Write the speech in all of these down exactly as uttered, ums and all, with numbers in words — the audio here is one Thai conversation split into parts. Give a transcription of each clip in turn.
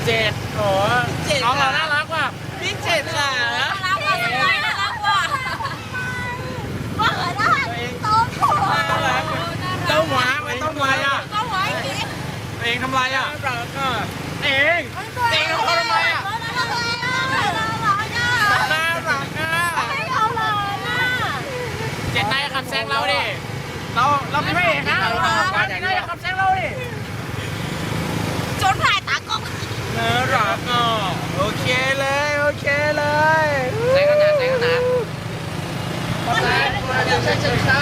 เจ็ดโอ้น้องเราน่ารักว่ะพี่เจ็ดค่ะน่ารักว่ะน่ารักว่ะว่าเหรอน่ารักโตโผล่น่ารักเต้าหวาไม่ต้องอะไรอ่ะเต้าหวากินเองทำไรอ่ะเองเองทำอะไรอ่ะน่ารักน่ารักน่ารักอ่ะน่ารักอ่ะไม่เอาเลยน่ะเจ็ดนายขับแซงเราดิเราเราเป็นพระเอกนะเราเจ็ดนายขับแซงเราดิจนถ่ายตากล้องน่ารักอ่ะโอเคเลยโอเคเลยแซงกันนะแซงกันนะวันนี้เราจะใช้เชือกซ่า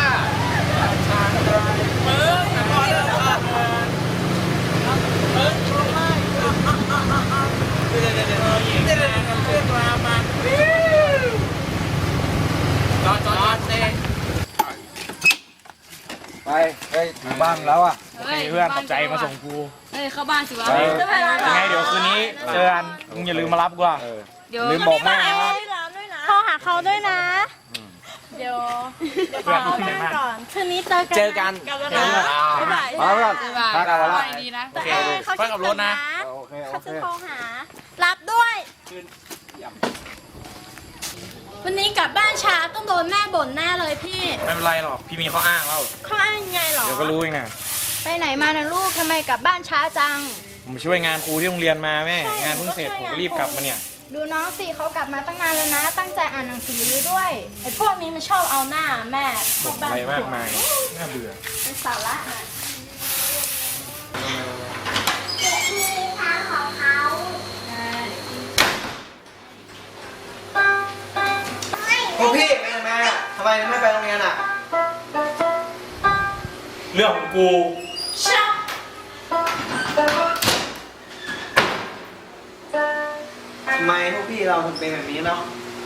มึงพอแล้วมึงรู้ไหมเดี๋ยวเดี๋ยวเดี๋ยวเดี๋ยวเดี๋ยวเพื่อนมามาจอดจอดเต้ไปเฮ้ยถึงบ้านแล้วอ่ะโอเคเพื่อนขอบใจมาส่งกูเฮ้ยเข้าบ้านสิวะยังไงเดี๋ยวคืนนี้เจอกันมึงอย่าลืมมารับกูอ่ะลืมบอกแม่นะโทรหาเขาด้วยนะเดี๋ยวเดี๋ยวขอแม่ก่อนคืนนี้เจอกันเจอกันกันแล้วนะบ๊ายบายมาแล้วพักกันแล้วดีนะโอเคค่อยขับรถนะโอเคโอเขาเคจะโทรหารับด้วยวันนี้กลับบ้านช้าต้องโดนแม่บ่นแน่เลยพี่ไม่เป็นไรหรอกพี่มีข้ออ้างแล้วเขาอ้างยังไงหรอเดี๋ยวก็รู้เองนะไปไหนมานะลูกทำไมกลับบ้านช้าจังผมช่วยงานครูที่โรงเรียนมาแม่งานเพิ่งเสร็จผมก็รีบกลับมาเนี่ยดูน้องสิเขากลับมาตั้งนานแล้วนะตั้งใจอ่านหนังสือด้วยไอ้พวกนี้มันชอบเอาหน้าแม่บ่นอะไรมากมายน่าเบื่อเป็นสาระนะมีทางของเขาพวกพี่ไปไหนมาทำไมไม่ไปโรงเรียนอ่ะเรื่องของกูชักทำไมพวกพี่เราถึงเป็นแบบนี้เนาะ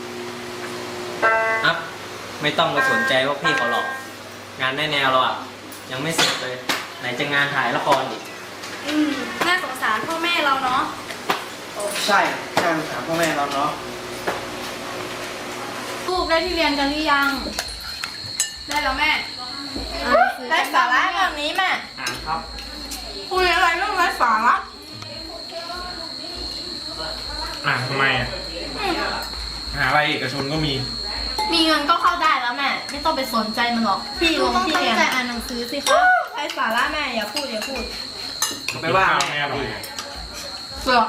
อัพไม่ต้องไปสนใจว่าพี่เขาหรอกงานแน่แนวเราอ่ะยังไม่เสร็จเลยไหนจะงานถ่ายละครอีกอืมน่าสงสารพ่อแม่เราเนาะใช่ใช่ถามพ่อแม่เราเนาะลูกได้ที่เรียนกันหรือยังได้แล้วแม่ได้สาระแบบนี้แม่อ่านครับคุยอะไรเรื่องไร้สาระอ่านทำไมอ่ะหาอะไรเอกชนก็มีมีเงินก็เข้าได้แล้วแม่ไม่ต้องไปสนใจมันหรอกพี่ลงที่เรียนต้องตั้งใจอ่านหนังสือสิคะไร้สาระแม่อย่าพูดอย่าพูดไปว่าแม่หน่อยเสือ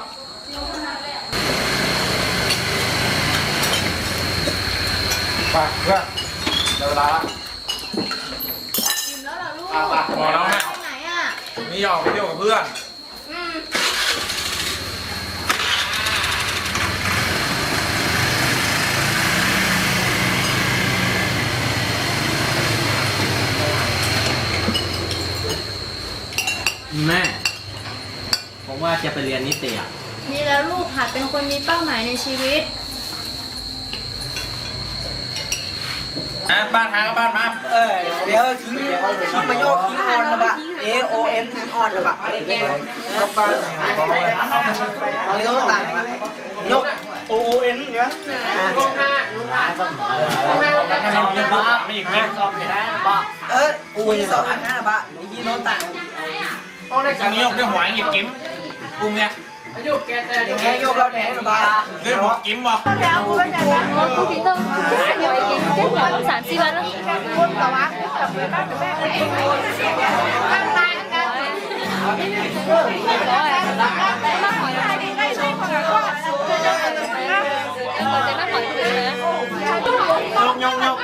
ไปเพื่อนเดี๋ยวเวลาละอิ่มแล้วเหรอลูกพอแล้วแม่ไปไหนอ่ะไม่ยอมไปเที่ยวกับเพื่อนอืมแม่ผมว่าจะไปเรียนนิติอ่ะนี่แล้วลูกหัดเป็นคนมีเป้าหมายในชีวิตอ่ะบ้านทางก็บ้านมาเออเดี๋ยวทิ้งทิ้งประโยคทิ้งออนนะบะ A O M ทิ้งออนนะบะอะไรแกเข้าบ้านเอาเรื่องต่างนะยก O O N เนี่ยห้องห้าห้องห้าห้องห้าไม่อีกไหมเอออูยสองอันนะบะยี่โน้ตต่างห้องในการนี้ยกด้วยหัวหยิบกิ้มปุ้งเนี่ยโยกแกแต่แกโยกเราแดงนะบะด้วยหัวกิ้มบ่แล้วคุณเป็นยังไงคุณพีเตอร์เดี๋ยวไปกินเจ็ดวันสามสี่วันแล้วคุณต่อวะกับแม่บ้านกับแม่เองบ้านตายกันมาขอได้ได้ใช่ขอได้ก็จะมาขอจะมาขอถือนะยกยกยก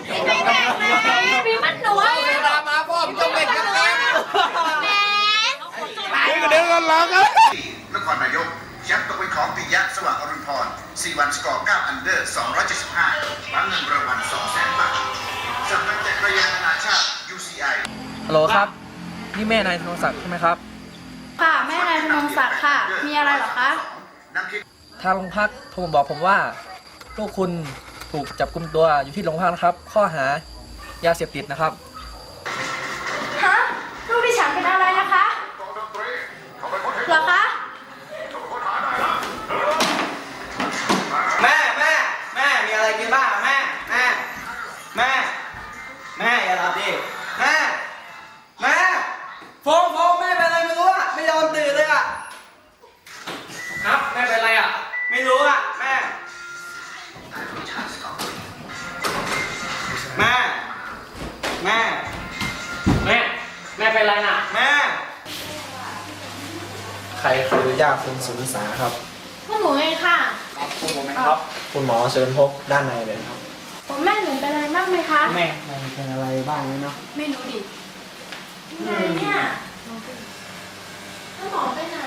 มันหนูว่าเวลามาพ่อมต้องเป็นกันแม่นี่ก็เดินกันหลังกันนครนายกแชมป์ตกเป็นของปิยะสว่างอรุณพรสี่วันสกอร์เก้าอันเดอร์สองร้อยเจ็ดสิบห้ารับเงินรางวัลสองแสนบาทสำนักจักรยานนานาชาติ ยู ซี ไอฮัลโหลครับนี่แม่นายธนศักดิ์ใช่ไหมครับค่ะแม่นายธนศักดิ์ค่ะมีอะไรเหรอคะทางโรงพักโทรมาบอกผมว่าลูกคุณถูกจับกุมตัวอยู่ที่โรงพักนะครับข้อหายาเสพติดนะครับฮะลูกดิฉันเป็นอะไรนะคะเหรอคะแม่แม่แม่มีอะไรกินบ้างแม่แม่แม่แม่อย่าหลับดิแม่แม่โฟงโฟงแม่เป็นอะไรไม่รู้อะไม่ยอมตื่นเลยอะแม่เป็นไรน่ะแม่ใครคือยาคุณสุนิสาครับพวกหนูเองค่ะคุณผมครับคุณหมอเชิญพบด้านในเลยครับผมแม่หนูเป็นอะไรบ้างไหมคะแม่เป็นอะไรบ้างเนาะไม่รู้ดิไงเนี่ยแล้วหมอไปไหน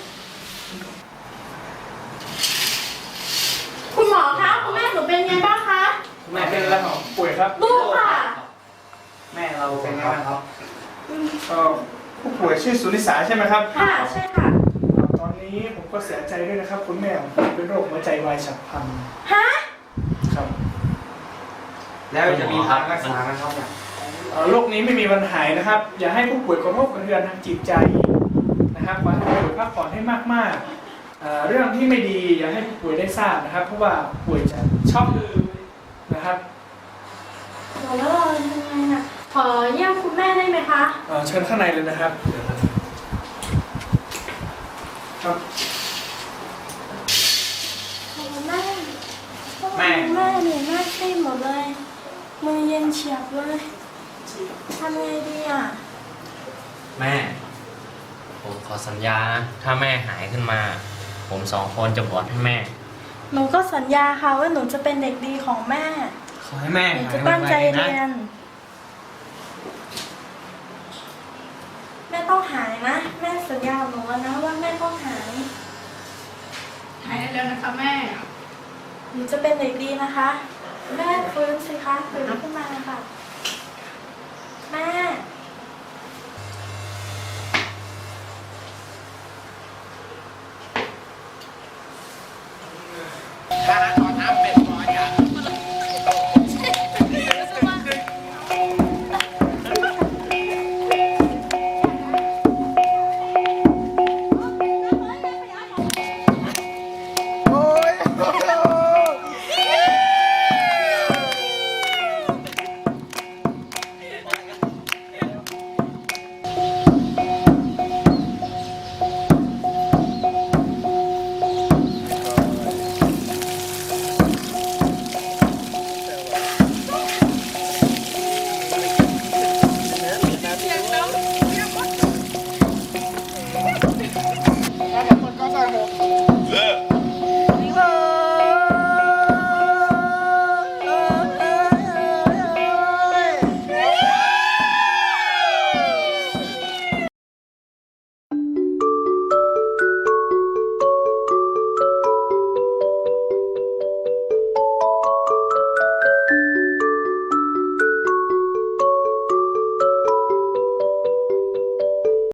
คุณหมอคะคุณแม่หนูเป็นไงบ้างคะแม่เป็นอะไรของป่วยครับลูกค่ะแม่เราเป็นไงบ้างครับเอ่อผู้ป่วยชื่อสุนิสาใช่ไหมครับค่ะใช่ค่ะตอนนี้ผมก็เสียใจด้วยนะครับ คุณแม่ของผมเป็นโรคหัวใจวายฉับพลันฮะครับแล้วจะมีทางรักษาไหมครับเนี่ยเอ่อโรคนี้ไม่มีวันหายนะครับ อย่าให้ผู้ป่วยกระทบกระเทือนทางจิตใจนะครับขอให้ผู้ป่วยพักผ่อนให้มากๆเอ่อเรื่องที่ไม่ดีอย่าให้ผู้ป่วยได้ทราบนะครับ เพราะว่าป่วยจะช็อกนะครับแล้วเราทำไงน่ะขอเยี่ยมคุณแม่ได้ไหมคะเอ่อเชิญข้างในเลยนะครับครับคุณแม่แม่แม่เหนื่อยมากซีดหมดเลย มือเย็นเฉียบเลยทำไงดีอ่ะแม่ ผมขอสัญญานะ ถ้าแม่หายขึ้นมา ผมสองคนจะบวชให้แม่หนูก็สัญญาค่ะว่าหนูจะเป็นเด็กดีของแม่ขอให้แม่หนูหายจะตั้งใจไวๆนะเรียน แม่ต้องหายนะ แม่สัญญากับหนูแล้วนะว่าแม่ต้องหายหายแล้วนะคะแม่หนูจะเป็นเด็กดีนะคะ แม่ฟื้นสิคะฟื้นขึ้นมาค่ะ แม่